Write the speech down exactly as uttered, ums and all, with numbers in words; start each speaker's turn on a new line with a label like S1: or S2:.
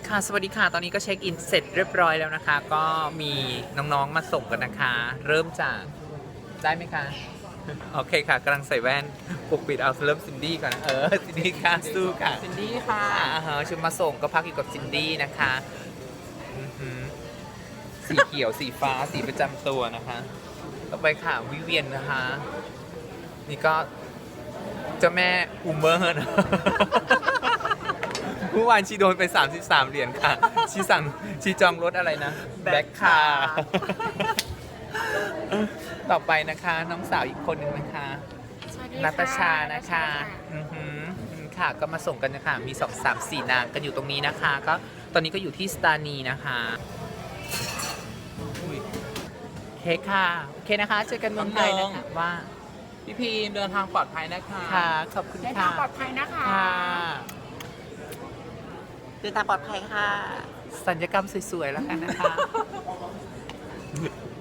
S1: ค่ะสวัสดีค่ะตอนนี้ก็เช็คอินเสร็จเรียบร้อยแล้วนะคะ ก็มีน้องๆมาส่งกันนะคะ เริ่มจากได้ไหมคะโอเคค่ะกำลังใส่แว่นปกปิดเอาเริ่มซินดี้ก่อนนะเออซินดี้ค่ะสู้ค่ะ
S2: ซินดี้ค่ะ
S1: อ่าฮะชุดมาส่งก็พักอยู่กับซินดี้นะคะอือหือสีเขียวสีฟ้าสีประจำตัวนะคะ ต่อไปค่ะวิเวียนนะคะ นี่ก็เจ้าแม่อูเมอร์นะ เมื่อวานชีโดนไปสามสิบสามเหรียญค่ะ ชีสั่งชีจองรถอะไรนะแบ็คคาร์ต่อไปนะคะน้องสาวอีกคนหนึ่งนะคะ
S3: สวัสดี
S1: นัต
S3: ค่ะ
S1: ชานะคะอือหืออืมค่ะก็มาส่งกันนะคะมีสองสามสี่นางกันอยู่ตรงนี้นะคะ ก็ตอนนี้ก็อยู่ที่สตานีนะคะอุ๊ยโอเคค่ะโอเคนะคะเจอกันเมืองไทยนะคะว่า
S2: พี่พีมเดินทางปลอดภัยนะคะ
S1: ค่ะขอบคุณ
S3: เดิน
S1: ค่ะ
S3: ทางปลอดภัยนะคะ
S1: ค่ะ
S2: เดินทางปลอดภัยค่ะ
S1: สัญญกรรมสวยๆแล้วกันนะคะ